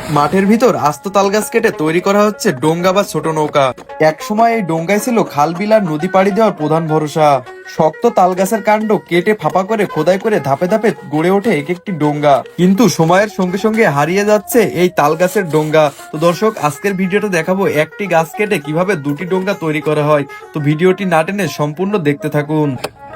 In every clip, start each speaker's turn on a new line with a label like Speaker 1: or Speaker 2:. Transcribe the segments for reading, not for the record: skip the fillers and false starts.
Speaker 1: মাঠের ভিতর আস্ত তাল গাছ কেটে তৈরি করা হচ্ছে ডোঙ্গা বা ছোট নৌকা। এক সময় এই ডোঙ্গাই ছিল খাল বিল আর নদী পাড়ি দেওয়ার প্রধান ভরসা। শক্ত তাল গাছের কাণ্ড কেটে ফাঁপা করে খোদাই করে ধাপে ধাপে গড়ে ওঠে এক একটি ডোঙ্গা, কিন্তু সময়ের সঙ্গে সঙ্গে হারিয়ে যাচ্ছে এই তাল গাছের ডোঙ্গা। তো দর্শক, আজকের ভিডিওটা দেখাবো একটি গাছ কেটে কিভাবে দুটি ডোঙ্গা তৈরি করা হয়। তো ভিডিওটি না টেনে সম্পূর্ণ দেখতে থাকুন।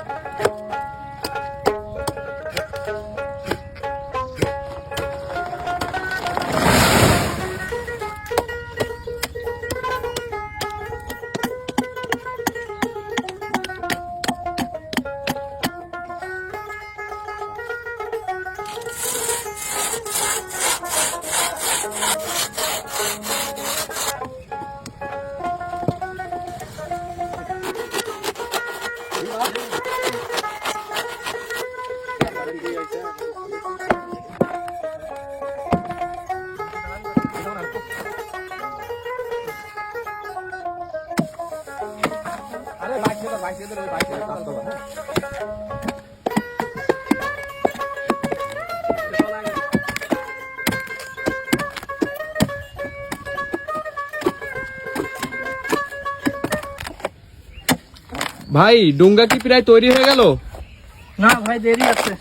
Speaker 1: ভাই, ডোঙ্গা কি প্রায় তৈরি হয়ে গেল?
Speaker 2: না ভাই, দেরি আছে।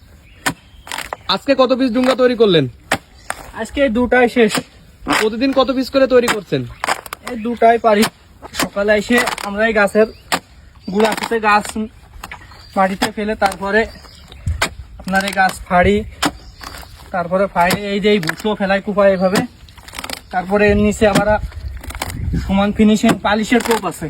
Speaker 1: আজকে কত পিস ডোঙ্গা তৈরি করলেন?
Speaker 2: আজকে দুটাই শেষ।
Speaker 1: প্রতিদিন কত পিস করে তৈরি করছেন?
Speaker 2: এই দুটাই পারি। সকালে এসে আমরা এই গাছের গুড়া থেকে গাছ মাটিতে ফেলে তারপরে আপনার এই গাছ ফাড়ি, তারপরে ফাড়ি এই যে এই ভুসো ফেলাই কুপায় এভাবে, তারপরে এর নিচে আবার সমান ফিনিশিং পালিশের কোপ আছে।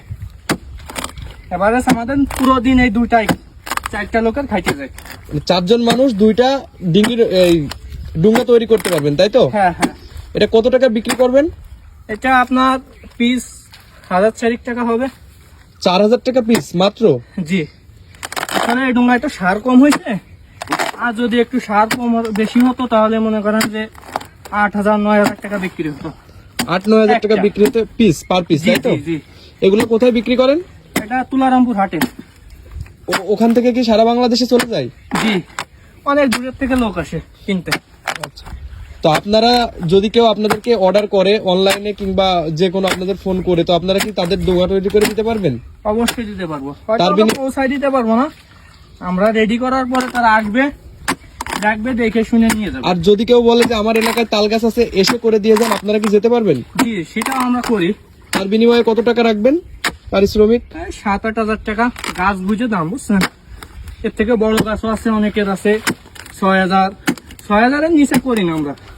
Speaker 2: এবারে আমাদের পুরো দিন এই দুইটাই 4টা লোকের খাইতে যায়।
Speaker 1: 4জন মানুষ দুইটা ডিঙ্গির এই ডোঙ্গা তৈরি করতে পারবেন, তাই তো?
Speaker 2: হ্যাঁ হ্যাঁ।
Speaker 1: এটা কত টাকা বিক্রি করবেন?
Speaker 2: এটা আপনার পিস 1000 টাকা হবে।
Speaker 1: 4000 টাকা পিস মাত্র?
Speaker 2: জি। এখানে এই ডোঙ্গায় তো সার কম হয়েছে, আর যদি একটু সার কম বেশি হতো তাহলে মনে করেন যে 8000-9000 টাকা বিক্রি হতো।
Speaker 1: 8-9000 টাকা বিক্রি হতে পিস, পার পিস, তাই তো?
Speaker 2: জি।
Speaker 1: এগুলো কোথায় বিক্রি করেন?
Speaker 2: এটা তুলারামপুর হাটে।
Speaker 1: ওখান থেকে কি সারা বাংলাদেশে চলে যায়?
Speaker 2: জি, অনেক দূরের থেকে লোক আসে কিনতে।
Speaker 1: তো আপনারা যদি কেউ আপনাদেরকে অর্ডার করে অনলাইনে কিংবা যে কোনো আপনাদের ফোন করে, তো আপনারা কি তাদের ডোঙ্গা তৈরি করে দিতে পারবেন?
Speaker 2: অবশ্যই দিতে পারবো।
Speaker 1: তার
Speaker 2: পৌঁছায় দিতে পারবো না, আমরা রেডি করার পরে তারা আসবে, দেখবে, দেখে শুনে নিয়ে যাবে।
Speaker 1: আর যদি কেউ বলে যে আমার এলাকায় তাল গাছ আছে, এসে করে দিয়ে যান, আপনারা কি যেতে পারবেন?
Speaker 2: জি, সেটাও আমরা করি।
Speaker 1: তার বিনিময়ে কত টাকা রাখবেন পারিশ্রমিক?
Speaker 2: 7-8 টাকা গাছ বুঝে দাম, বুঝছেন? এর থেকে বড় গাছও আছে, অনেকের আছে 6000-6000-এর নিচে করি না আমরা।